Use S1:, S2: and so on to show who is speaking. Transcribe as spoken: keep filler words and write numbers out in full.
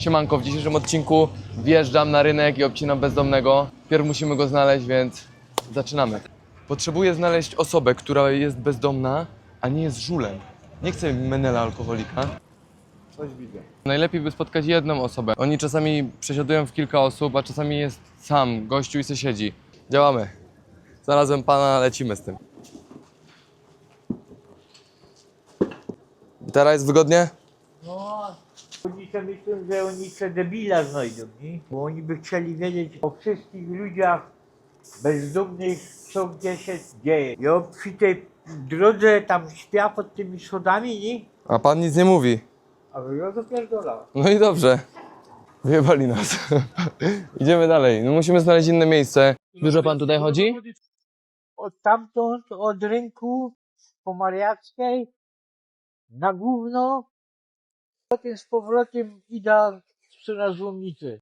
S1: Siemanko, w dzisiejszym odcinku wjeżdżam na rynek i obcinam bezdomnego. Pierw musimy go znaleźć, więc zaczynamy. Potrzebuję znaleźć osobę, która jest bezdomna, a nie jest żulem. Nie chcę menela alkoholika. Coś widzę. Najlepiej by spotkać jedną osobę. Oni czasami przesiadują w kilka osób, a czasami jest sam, gościu i se siedzi. Działamy. Znalazłem pana, lecimy z tym. Teraz jest wygodnie?
S2: No, oni sobie myślą, że oni se debila znajdą, nie? Bo oni by chcieli wiedzieć o wszystkich ludziach bezdomnych, co gdzie się dzieje. Ja przy tej drodze tam śpia pod tymi schodami, nie?
S1: A pan nic nie mówi.
S2: A wy ja zapierdolałem.
S1: No i dobrze. Wyjebali nas. Idziemy dalej. No musimy znaleźć inne miejsce. Dużo pan tutaj chodzi?
S2: Od tamtąd, od rynku po Mariackiej, na gówno, potem z powrotem idę na złomnicę.